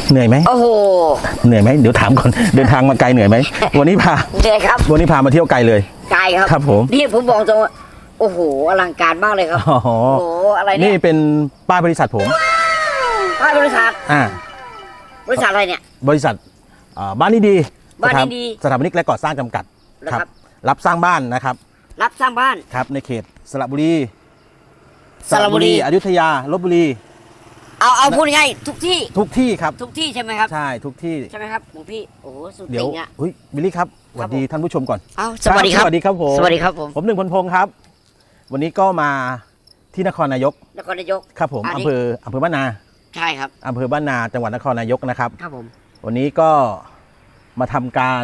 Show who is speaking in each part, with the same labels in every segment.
Speaker 1: เหนื่อยไหม
Speaker 2: โอ้โห
Speaker 1: เหนื่อยไหมเดี๋ยวถามก่อนเดินทางมาไกลเหนื่อยไหมวันนี้พา
Speaker 2: เหนื่อยครับ
Speaker 1: วันนี้พามาเที่ยวไกลเลย
Speaker 2: ไกลครับ
Speaker 1: ครับผม
Speaker 2: นี่ผมบอกตรงโอ้โหอลังการมากเลยครับโอ้โหอะไรเนี่ย
Speaker 1: นี่เป็นป้ายบริษัทผม
Speaker 2: ป้ายบริษัทบริษัทอะไรเนี่ย
Speaker 1: บริษัทบ้านนี้ดี
Speaker 2: บ้านนี้ดี
Speaker 1: สถาปนิกและก่อสร้างจำกัด
Speaker 2: ครับ
Speaker 1: รับสร้างบ้านนะครับ
Speaker 2: รับสร้างบ้าน
Speaker 1: ครับในเขตสระบุรีอยุธยาลพบุรี
Speaker 2: เอาพูดง่ายทุกที่
Speaker 1: ครับ
Speaker 2: ทุกที่ใช่ไหมครับ
Speaker 1: ใช่ทุกที่
Speaker 2: ใช่ไหมครับหลวงพี่โอ้โหสุด
Speaker 1: เดี๋
Speaker 2: จ
Speaker 1: ยว
Speaker 2: ริงอ่ะ
Speaker 1: บิลลี่ครับสวัสดีท่านผู้ชมก่อน
Speaker 2: สวัสดีครับ
Speaker 1: สวัสดีครับผม
Speaker 2: สวัสดีครับผม
Speaker 1: หนึ่งพลพงศ์ครับวันนี้ก็มาที่นครนายกครับผมอำเภอบ้านนา
Speaker 2: ใช่ครับ
Speaker 1: อำเภอบ้านนาจังหวัดนครนายกนะครับ
Speaker 2: ครับผม
Speaker 1: วันนี้ก็มาทำการ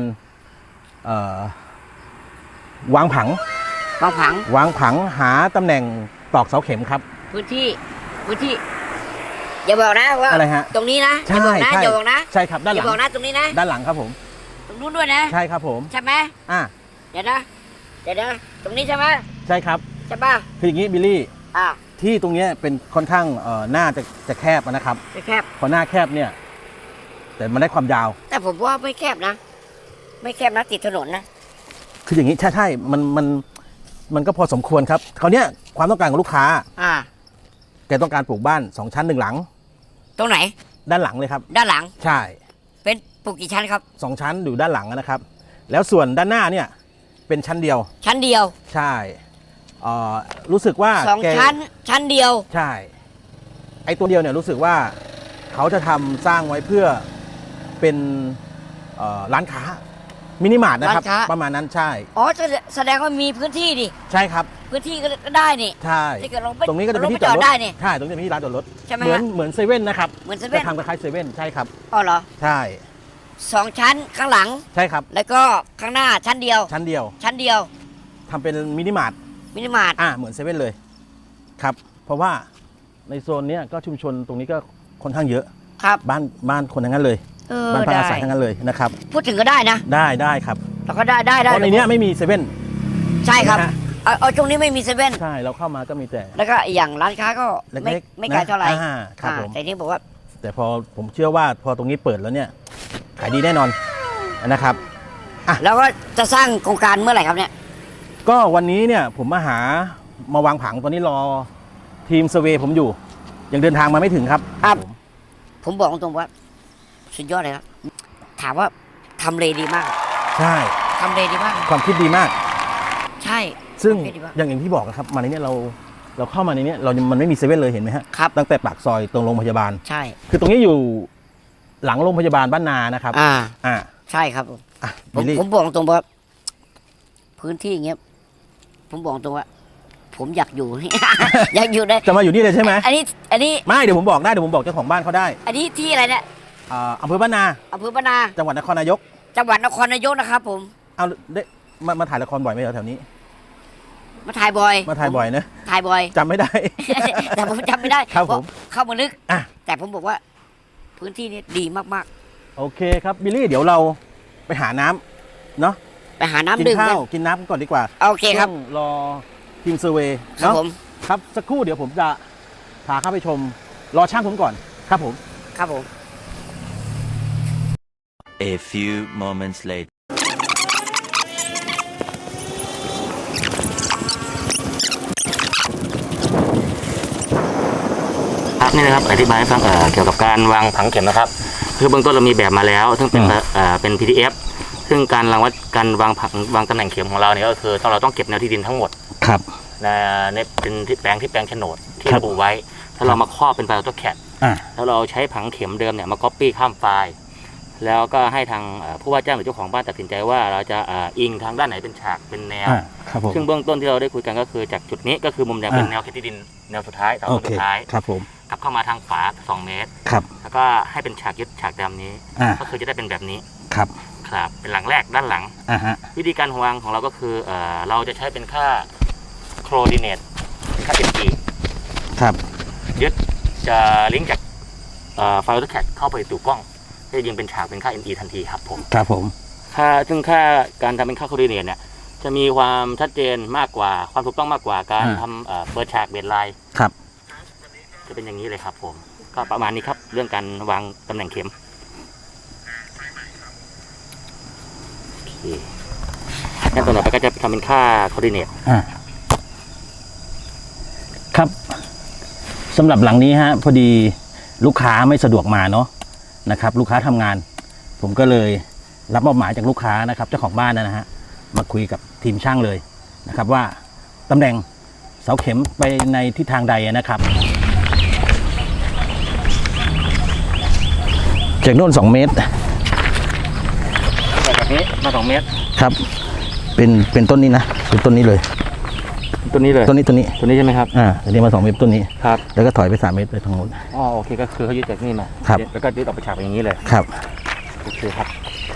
Speaker 1: วางผังหาตำแหน่งตอกเสาเข็มครับ
Speaker 2: พื้นที่อย่าบอกนะว่า
Speaker 1: อะไรฮะ
Speaker 2: ตรงนี้นะ
Speaker 1: อย่าบอกนะ
Speaker 2: อย่าบอกนะ
Speaker 1: ใช่ครับด้านหลัง
Speaker 2: อย่าบอกนะตรงนี้นะ
Speaker 1: ด้านหลังครับผม
Speaker 2: ตรงนู้นด้วยนะ
Speaker 1: ใช่ครับผม
Speaker 2: ใช่ไหมเดี๋ยวนะตรงนี้ใช่ไหม
Speaker 1: ใช่ครับ
Speaker 2: ใช่ป่ะ
Speaker 1: คืออย่างนี้บิลลี่ที่ตรงนี้เป็นค่อนข้างหน้าจะแคบนะครับ
Speaker 2: แคบ
Speaker 1: พอหน้าแคบเนี่ยแต่มันได้ความยาว
Speaker 2: แต่ผมว่าไม่แคบนะติดถนนนะ
Speaker 1: คืออย่างนี้ใช่มันก็พอสมควรครับคราวนี้ความต้องการของลูกค้าแกต้องการปลูกบ้าน2 ชั้น 1 หลัง
Speaker 2: ตรงไหน
Speaker 1: ด้านหลังเลยครับ
Speaker 2: ด้านหลัง
Speaker 1: ใช่
Speaker 2: เป็นปลูกกี่ชั้นครับ
Speaker 1: 2 ชั้นอยู่ด้านหลังนะครับแล้วส่วนด้านหน้าเนี่ยเป็นชั้นเดียวใช่รู้สึกว่า
Speaker 2: 2 ชั้นเดียว
Speaker 1: ใช่ไอ้ตัวเดียวเนี่ยรู้สึกว่าเขาจะทำสร้างไว้เพื่อเป็นร้านค้ามินิมาร์ทนะครับประมาณนั้นใช่
Speaker 2: แสดงว่ามีพื้นที่ดิ
Speaker 1: ใช่ครับ
Speaker 2: พื้นที่ก็ได้นี่
Speaker 1: ใช่ตรงนี้ก็จะเป็นที่จอดรถ
Speaker 2: ได้นี่
Speaker 1: ใช่ตรงนี้เป็นที่ร้านจอดรถ
Speaker 2: ใช่ไหม
Speaker 1: เหมือนเซเว่นนะครับ
Speaker 2: เหมือนเซเว่น
Speaker 1: จะทำคล้ายเซเว่นใช่ครับ
Speaker 2: เหรอ
Speaker 1: ใช่
Speaker 2: 2 ชั้นข้างหลัง
Speaker 1: ใช่ครับ
Speaker 2: แล้วก็ข้างหน้าชั้นเดียว
Speaker 1: ทำเป็นมินิมาร์ทเหมือนเซเว่นเลยครับเพราะว่าในโซนนี้ก็ชุมชนตรงนี้ก็ค่อนข้างเยอะ
Speaker 2: ครับ
Speaker 1: บ้านคนทั้งนั้นเลยบ้านพักอาศัยทั้งนั้นเลยนะครับ
Speaker 2: พูดถึงก็ได้นะ
Speaker 1: ได้ครับ
Speaker 2: เราก็ได้
Speaker 1: เพราะในนี้ไม่มีเซเว่น
Speaker 2: ใช่ครับเอาตรงนี้ไม่มีเซเว่น
Speaker 1: ใช่เราเข้ามาก็มีแต่
Speaker 2: แล้วก็อย่างร้านค้าก็ไม่ไกลเท่าไหร่
Speaker 1: ครับผม
Speaker 2: แต่นี่บอกว่า
Speaker 1: แต่พอผมเชื่อว่าพอตรงนี้เปิดแล้วเนี่ยขายดีแน่นอนนะครับ
Speaker 2: แล้วก็จะสร้างโครงการเมื่อไหร่ครับเนี่ย
Speaker 1: ก็วันนี้เนี่ยผมมาวางผังตอนนี้รอทีมเซเวย์ผมอยู่ยังเดินทางมาไม่ถึงครับ
Speaker 2: ผมบอกตรงว่าสุดยอดเลยครับถามว่าทำเลดีมาก
Speaker 1: ใช่
Speaker 2: ทำเลดีมาก
Speaker 1: ความคิดดีมาก
Speaker 2: ใช่
Speaker 1: ซึ่งอย่างที่บอกนะครับมาในนี้เราเข้ามาในนี้มันไม่มีเซเว่นเลยเห็นไหมฮะ
Speaker 2: ครับ
Speaker 1: ตั้งแต่ปากซอยตรงโรงพยาบาล
Speaker 2: ใช่
Speaker 1: คือตรงนี้อยู่หลังโรงพยาบาลบ้านนานะครับ
Speaker 2: ใช่ครับผมบอกตรงว่าพื้นที่อย่างเงี้ยผมบอกตรงว่าผมอยากอยู่อยากอยู่ได้
Speaker 1: จะมาอยู่นี่เลยใช่ไหม
Speaker 2: อันนี้
Speaker 1: ไม่เดี๋ยวผมบอกได้เดี๋ยวผมบอกเจ้าของบ้านเขาได้
Speaker 2: อันนี้ที่อะไรเนี่ย
Speaker 1: อำเภอบ้านนาจังหวัดนครนายก
Speaker 2: นะครับผม
Speaker 1: เอาได้มาถ่ายละครบ่อยไหมแถวนี้
Speaker 2: มาถ่ายบ่อย
Speaker 1: นะถ่าย
Speaker 2: บ่อย
Speaker 1: จำไม่ได้
Speaker 2: แต่ผมจำไม่ได้
Speaker 1: ครับผม
Speaker 2: เข้ามาลึกแต่ผมบอกว่าพื้นที่นี้ดีมาก
Speaker 1: ๆโอเคครับบิลลี่เดี๋ยวเราไปหาน้ำเนาะ
Speaker 2: ไปหาน้ำดื่ม
Speaker 1: กินน้ำก่อนดีกว่า
Speaker 2: โอเคครับ
Speaker 1: รอทีมเซอร์เวย์
Speaker 2: ครับผม
Speaker 1: ครับสักครู่เดี๋ยวผมจะพาเข้าไปชมรอช่างผมก่อนครับผม
Speaker 3: A few moments later
Speaker 4: นี่นะครับอธิบายให้ฟังเกี่ยวกับการวางผังเข็มนะครับคือเบื้องต้นเรามีแบบมาแล้วซึ่งเป็น PDF ซึ่งการวางตำแหน่งเข็มของเราเนี่ยก็คือเราต้องเก็บแนวที่ดินทั้งหมด
Speaker 1: ครับ
Speaker 4: ในเป็นที่แปลงโฉนดที่ระบุไว้ถ้าเรามาครอบเป็นไฟล์ AutoCAD แล้วเราใช้ผังเข็มเดิมเนี่ยมา Copy ข้ามไฟล์แล้วก็ให้ทางผู้ว่าจ้างหรือเจ้าของบ้านตัดสินใจว่าเราจะอิงทางด้านไหนเป็นฉากเป็นแนวซึ่งเบื้องต้นที่เราได้คุยกันก็คือจากจุดนี้ก็คือมุมแดงเป็นแนวเขตที่ดินแนวสุดท้ายเสาสุดท้าย
Speaker 1: ครับผม
Speaker 4: กลับเข้ามาทางขวา2 เมตรแล้วก็ให้เป็นฉากยึดฉากดำนี้ก็คือจะได้เป็นแบบนี้ครับเป็นหลังแรกด้านหลังวิธีการวางของเราก็คือเราจะใช้เป็นค่า coordinate ค่า NE
Speaker 1: ครับ
Speaker 4: ยึดจะลิงก์จากไฟล์ AutoCAD เข้าไปสู่กล้องจะยิงเป็นฉากเป็นค่า NE ทันทีครับผมซึ่งค่าการทำเป็นค่า coordinate เนี่ยจะมีความชัดเจนมากกว่าความถูกต้องมากกว่าการทำเปิดฉากเบสไลน์จะเป็นอย่างนี้เลยครับผมก็ประมาณนี้ครับเรื่องการวางตำแหน่งเข็มขั้นตอนต่อไปก็จะทำเป็นค่าคอร์ดิเนต
Speaker 1: ครับสำหรับหลังนี้ฮะพอดีลูกค้าไม่สะดวกมาเนาะนะครับลูกค้าทำงาน ผมก็เลยรับมอบหมายจากลูกค้านะครับเจ้าของบ้านนะฮะมาคุยกับทีมช่างเลยนะครับว่าตำแหน่งเสาเข็มไปในทิศทางใดนะครับจากโน่น2 เมตร
Speaker 4: แบบนี้มา2 เมตร
Speaker 1: ครับเป็นต้นนี้นะเป็นต้นนี้เลย
Speaker 4: ตัวนี้เลย
Speaker 1: ต้นนี้
Speaker 4: ตัวนี้ใช่ไหมครับ
Speaker 1: อันนี้มา2 เมตรต้นนี้
Speaker 4: ครับ
Speaker 1: แล้วก็ถอยไป3 เมตรไปทางโน้น
Speaker 4: อ๋อโอเคก็คือเขายึดจากนี่มา
Speaker 1: ครับ
Speaker 4: แล้วก็ยึดออกไปฉากอย่างนี้เลย
Speaker 1: ครับ
Speaker 4: โอเคครับ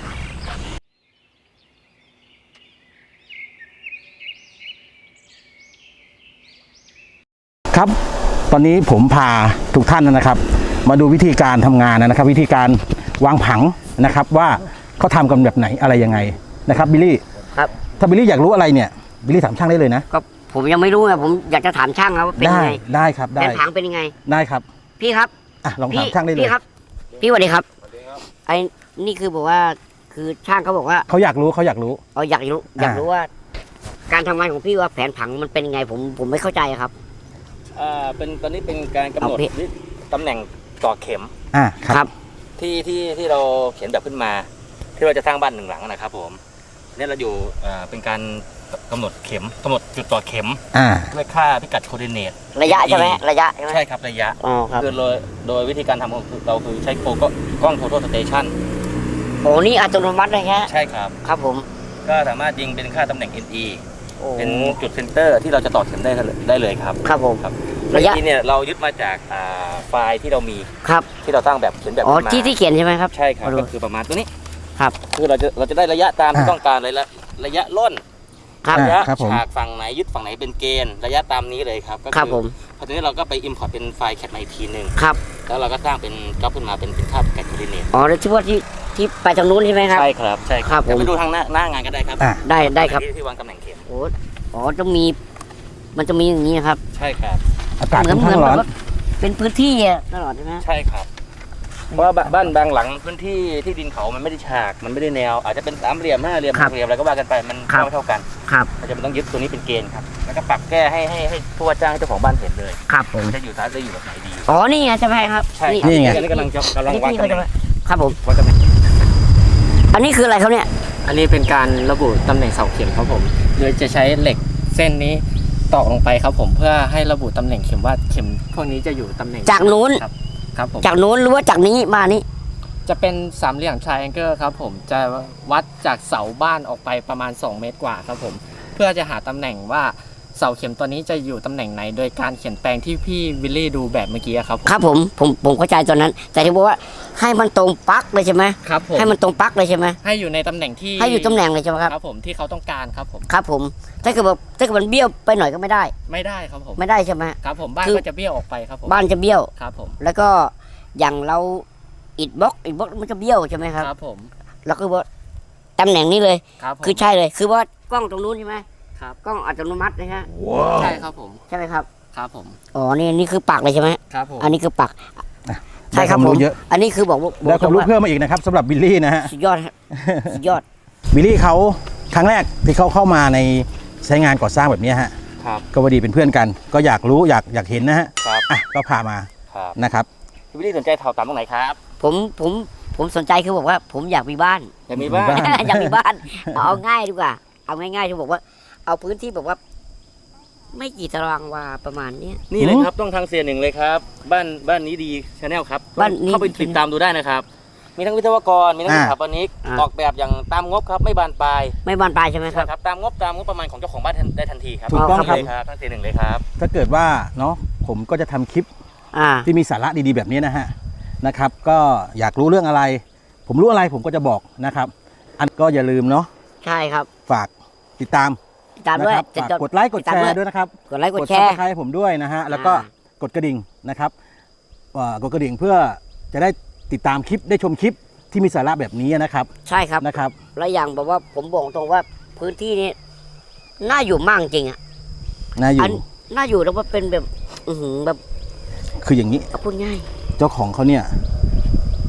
Speaker 1: ครับตอนนี้ผมพาทุกท่านนะครับ มาดูวิธีการทำงานนะครับ วิธีการวางผังนะครับว่าเขาทำกันแบบไหนอะไรยังไงนะครับบิลลี่
Speaker 2: ครับ
Speaker 1: ถ้าบิลลี่อยากรู้อะไรเนี่ยบิลลี่ถามช่างได้เลยนะ
Speaker 2: ก็ผมยังไม่รู้ไงผมอยากจะถามช่างครับว่าเป็น
Speaker 1: ได้
Speaker 2: ยังไง
Speaker 1: ได้ครับได้
Speaker 2: แผนผังเป็นยังไง
Speaker 1: ได้ครับ
Speaker 2: พี่ครับ
Speaker 1: อ่ะลอง
Speaker 2: พี่
Speaker 1: ถามช่างได้เลย
Speaker 2: พี่ครับ พี่สวัสดีครับไอ้นี่คือบอกว่าคือช่างเขาบอกว่า
Speaker 1: เขาอยากรู้เขาอยากรู้
Speaker 2: อยากรู้ว่า การทำงานของพี่ว่าแผนผังมันเป็นยังไงผมไม่เข้าใจครับ
Speaker 4: เป็นตอนนี้เป็นการกำหนด
Speaker 2: เอาพี่
Speaker 4: ตำแหน่งต่อเข็ม
Speaker 1: ครับ
Speaker 4: ที่เราเขียนแบบขึ้นมา ที่เราจะสร้างบ้าน1 หลังนะครับผมเนี่ยเราอยู่เป็นการกำหนดเข็มกำหนดจุดต่อเข็มด้วยค่าพิกัดโคอร์ดิเนต
Speaker 2: ระยะใช่ไหมระยะใช่ไหม
Speaker 4: ใช่ครับระยะ
Speaker 2: อ๋อครับ
Speaker 4: คือโดยวิธีการทำของเราคือใช้กล้องโฟโต้สเตชัน
Speaker 2: โอ้นี่อัตโนมัติเลยฮะ
Speaker 4: ใช่ครับ
Speaker 2: ครับผม
Speaker 4: ก็สามารถยิงเป็นค่าตำแหน่ง NE
Speaker 2: โอ้
Speaker 4: เป็นจุดเซนเตอร์ที่เราจะต่อเข็มได้เลยครับ
Speaker 2: ครับผม
Speaker 4: ครับ
Speaker 2: ระยะ
Speaker 4: NE เนี่ยเรายึดมาจากไฟล์ที่เรามี
Speaker 2: ครับ
Speaker 4: ที่เราสร้างแบบเขียนแบบ
Speaker 2: อ๋อ
Speaker 4: ขึ้นมา
Speaker 2: ที่เขียนใช่ไหมครับ
Speaker 4: ใช่ครับ
Speaker 2: ขอดู
Speaker 4: ก็คือประมาณตัวนี้
Speaker 2: ครับ
Speaker 4: คือเราจะได้ระยะตามที่ต้องการเลยระยะล่น
Speaker 2: ครับ
Speaker 4: ระยะ
Speaker 1: ครับผม
Speaker 4: ฉากฝั่งไหนยึดฝั่งไหนเป็นเกณฑ์ระยะตามนี้เลยครับก็
Speaker 2: ครับผม
Speaker 4: พอทีนี้เราก็ไป import เป็นไฟล์แคปมาอีกทีหนึ่ง
Speaker 2: ครับ
Speaker 4: แล้วเราก็สร้างเป็นจ็อบขึ้นมาเป็นค่าพิกัดโคอร์ดิเนต
Speaker 2: อ๋อแล้วที่ว่าที่ไปทางนู้นใช่ไหมครับ
Speaker 4: ใช่ครับใช่
Speaker 2: ครับผม
Speaker 4: เดี๋ยวไปดูทางหน้างานก็ได้ครับ
Speaker 2: ได้ครับ
Speaker 4: ที่วางตำแหน่งเข็ม
Speaker 2: โอ้อ๋อต้องมีมันจะมีอย่างนี้นะครับ
Speaker 4: ใช่ครับ
Speaker 1: อากาศค่อนข้างร้อน
Speaker 2: แบบว่าเป็นพื้นที่อะตลอดใช่ไหม
Speaker 4: ใช่ครับเพราะว่าบ้านบางหลังพื้นที่ที่ดินเขามันไม่ได้ฉากมันไม่ได้แนว อาจจะเป็น3 เหลี่ยม5 เหลี่ยม6 เหลี่ยมอะไรก็ว่ากันไปมันไม่เท่ากัน
Speaker 2: ครับ
Speaker 4: เราจะต้องยึดตัวนี้เป็นเกณฑ์ครับแล้วก็ปรับแก้ให้ผู้ว่าจ้างให้เจ้าของบ้านเห็นเลย
Speaker 2: ครับผม
Speaker 4: จะอยู่ซ้ายจะอยู่แบบไหนดี
Speaker 2: อ๋อนี่ไงใช่ไหมครับ
Speaker 4: ใช่ครับ
Speaker 1: นี่ไง
Speaker 4: อันนี้กำลังวาง
Speaker 2: นี่
Speaker 4: ตำแหน่ง
Speaker 2: ครับผม
Speaker 4: วางตำแหน่ง
Speaker 2: อันนี้คืออะไรครับเนี่ย
Speaker 5: อันนี้เป็นการระบุตำแหน่งเสาเข็มครับผม โดยจะใช้เหล็กเส้นนี้ตอกลงไปครับผมเพื่อให้ระบุตำแหน่งเข็มว่าเข็มพวกนี้จะอยู่ตำแหน่ง
Speaker 2: จากนู้น
Speaker 5: ครับผม
Speaker 2: จากนู้นหรือว่าจากนี้มานี่
Speaker 5: จะเป็นสามเหลี่ยมทรายแองเกิลครับผมจะวัดจากเสาบ้านออกไปประมาณ2 เมตรกว่าครับผมเพื่อจะหาตำแหน่งว่าเสาเข็มตัวนี้จะอยู่ตำแหน่งไหน โดยการเขียนแปลงที่พี่วิลลี่ดูแบบเมื่อกี้ครับผม
Speaker 2: ครับผมเข้าใจตอนนั้น แต่ที่บอกว่าให้มันตรงปลั๊กเลยใช่ไหม
Speaker 5: ครับผม
Speaker 2: ให้มันตรงปลั๊กเลยใช่ไหม
Speaker 5: ให้อยู่ในตำแหน่งที่
Speaker 2: ให้อยู่ตำแหน่งเลยใช่ไหมครับ
Speaker 5: ครับผมที่เขาต้องการครับผม
Speaker 2: ครับผมถ้าเกิดมันเบี้ยวไปหน่อยก็ไม่ได้
Speaker 5: ไม่ได้ครับผม
Speaker 2: ไม่ได้ใช่ไหม
Speaker 5: ครับผมบ้าน
Speaker 2: คือ
Speaker 5: ก็จะเบี้ยวออกไปครับผม
Speaker 2: บ้านจะเบี้ยว
Speaker 5: ครับผม
Speaker 2: แล้วก็อย่างเราอิฐบล็อกมันจะเบี้ยวใช่ไหมครับ
Speaker 5: ครับผม
Speaker 2: แล้วก็ว่าตำแหน่งนี้เลย
Speaker 5: ครับผม
Speaker 2: คือใช่เลย คือว่ากล้องตรงนู้นใช่ไหม
Speaker 5: ครับ
Speaker 2: กล้องอัตโนมัตินะฮะ
Speaker 5: ใช่ครับผม
Speaker 2: ใช่ไหมครับ
Speaker 5: ครับผม
Speaker 2: อ๋อนี่คือปักเลยใช่ไหม
Speaker 5: ครับผม
Speaker 2: อันนี้คือปัก
Speaker 1: ได้
Speaker 2: ใช่ครับ
Speaker 1: ความ
Speaker 2: ผม
Speaker 1: รู้เยอะ
Speaker 2: อันนี้คือบอกว่า
Speaker 1: ได้ความรู้เพิ่มมาอีกนะครับสำหรับบิลลี่นะฮะ
Speaker 2: สุดยอดครับสุดยอด
Speaker 1: บิลลี่เขาครั้งแรกที่เขาเข้ามาในใช้งานก่อสร้างแบบนี้ฮะ
Speaker 4: ครับ
Speaker 1: ก็พอดีเป็นเพื่อนกัน ก็อยากรู้อยากเห็นนะฮะ
Speaker 4: ครับ
Speaker 1: ก็พามา
Speaker 4: ครับ
Speaker 1: นะครับ
Speaker 4: พี่วิลลี่สนใจถอดตามตรงไหนครับ
Speaker 2: ผมสนใจคือบอกว่าผมอยากมีบ้าน
Speaker 4: อยากมีบ้าน
Speaker 2: อยากมีบ้านเอาง่ายดีกว่า เอาง่ายๆที่บอกว่า เอาพื้นที่แบบว่า ไม่กี่ตารางวาประมาณเนี้ย
Speaker 4: นี่เลยครับต้องทางเสียหนึ่งเลยครับ บ้านนี้ดีชาแนลครับ
Speaker 2: บ้านนี้
Speaker 4: เข้าไปติดตามดูได้นะครับ มีทั้งวิศวกรมีทั้งสถาปนิก
Speaker 2: อ่า
Speaker 4: ออกแบบอย่างตามงบครับไม่บานปลาย
Speaker 2: ไม่บานปลายใช่ไหมครับ
Speaker 4: ครับตามงบประมาณของเจ้าของบ้านได้ทันทีครับ
Speaker 1: ถูกต้องครับ
Speaker 4: เลยครับทั้งเสียหนึ่งเลยครับ
Speaker 1: ถ้าเกิดว่าเนาะผมก็จะทำคลิป
Speaker 2: อ่า
Speaker 1: ที่มีสาระดีๆแบบนี้นะฮะนะครับ ก็อยากรู้เรื่องอะไร ผมรู้อะไรผมก็จะบอกนะครับ อันก็อย่าลืมเนาะ
Speaker 2: ใช่ครับ
Speaker 1: ฝากติดตาม
Speaker 2: ติดตามด้วย
Speaker 1: นะครับฝากกดไลค์กดแชร์ด้วยนะครับ
Speaker 2: กดไลค์กดแช
Speaker 1: ซับ
Speaker 2: ร์
Speaker 1: สไครต์ผมด้วยนะฮะแล้วก็กดกระดิ่งนะครับกดกระดิ่งเพื่อจะได้ติดตามคลิปได้ชมคลิปที่มีสาระแบบนี้นะครับ
Speaker 2: ใช่ครับ
Speaker 1: นะครับ
Speaker 2: แล้วอย่างแบบว่าผมบอกตรงว่าพื้นที่นี้น่าอยู่มากจริงอ่ะ
Speaker 1: น่าอยู่
Speaker 2: น่าอยู่แล้วว่าเป็นแบบ แบบ
Speaker 1: คืออย่างนี้
Speaker 2: เอาพูดง่าย
Speaker 1: เจ้าของเขาเนี่ย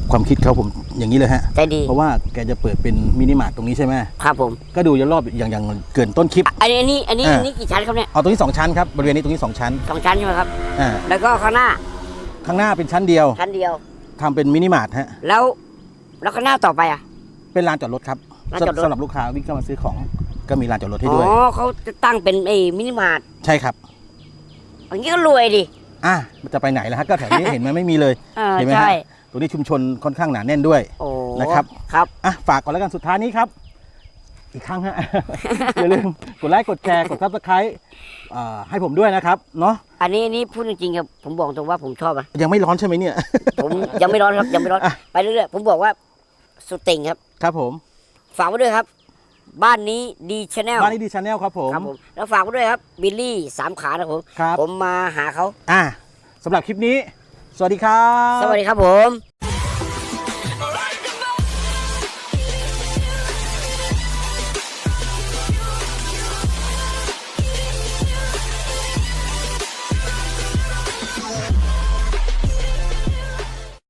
Speaker 1: ความคิดเขาผมอย่างนี้เลยฮะ
Speaker 2: ใจดี
Speaker 1: เพราะว่าแกจะเปิดเป็นมินิมาร์ทตรงนี้ใช่ไหม
Speaker 2: ครับผม
Speaker 1: ก็ดูรอบอย่างเกินต้นคลิป
Speaker 2: อันนี้กี่ชั้นครับเนี่ย
Speaker 1: เอาตรงนี้2ชั้นครับบริเวณนี้ตรงนี้2ชั้น
Speaker 2: 2 ชั้นใช่ไหมครับ
Speaker 1: อ่า
Speaker 2: แล้วก็ข้างหน้า
Speaker 1: ข้างหน้าเป็นชั้นเดียว
Speaker 2: ชั้นเดียว
Speaker 1: ทำเป็นมินิมาร์ทฮะ
Speaker 2: แล้วข้างหน้าต่อไปอ่ะ
Speaker 1: เป็นลานจอดรถครับ
Speaker 2: ลานจอดรถ
Speaker 1: สำหรับลูกค้าวิ่งเข้ามาซื้อของก็มีลานจอดรถให้
Speaker 2: อ๋
Speaker 1: ด้วย
Speaker 2: อเขาจะตั้งเป็นมินิมาร์ท
Speaker 1: ใช่ครับ
Speaker 2: อย่างนี้ก็รวยดิ
Speaker 1: มันจะไปไหนล่ะฮะก็แถวนี้ เห็นไหมไม่มีเลย เห็นไหมฮะ
Speaker 2: ใช่
Speaker 1: ตรงนี้ชุมชนค่อนข้างหนาแน่นด้วย
Speaker 2: โอ้
Speaker 1: นะครับ
Speaker 2: ครับ
Speaker 1: ฝากก่อนแล้วกันสุดท้ายนี้ครับ อีกครั้งฮะ อย่าลืมกดไลค์กดแชร์กด Subscribe ให้ผมด้วยนะครับเนาะ
Speaker 2: อันนี้พูดจริงๆครับผมบอกตรงว่าผมชอบอ่ะ
Speaker 1: ยังไม่ร้อนใช่ไหมเนี่ย
Speaker 2: ผมยังไม่ร้อนครับยังไม่ร้อน
Speaker 1: อ่ะ
Speaker 2: ไปเรื่อยๆผมบอกว่าสุดติ่งครับ
Speaker 1: ครับผม
Speaker 2: ฝากไว้ด้วยครับ บ้านนี้ดีชาแนล
Speaker 1: บ้านนี้ดีชาแนลครับผม
Speaker 2: ครับผมแล้วฝากไว้ด้วยครับบิลลี่3 ขานะครับผม
Speaker 1: ครับ
Speaker 2: ผมมาหาเขา
Speaker 1: สำหรับคลิปนี้ สวัสดีครับ
Speaker 2: สวัสดีครับผม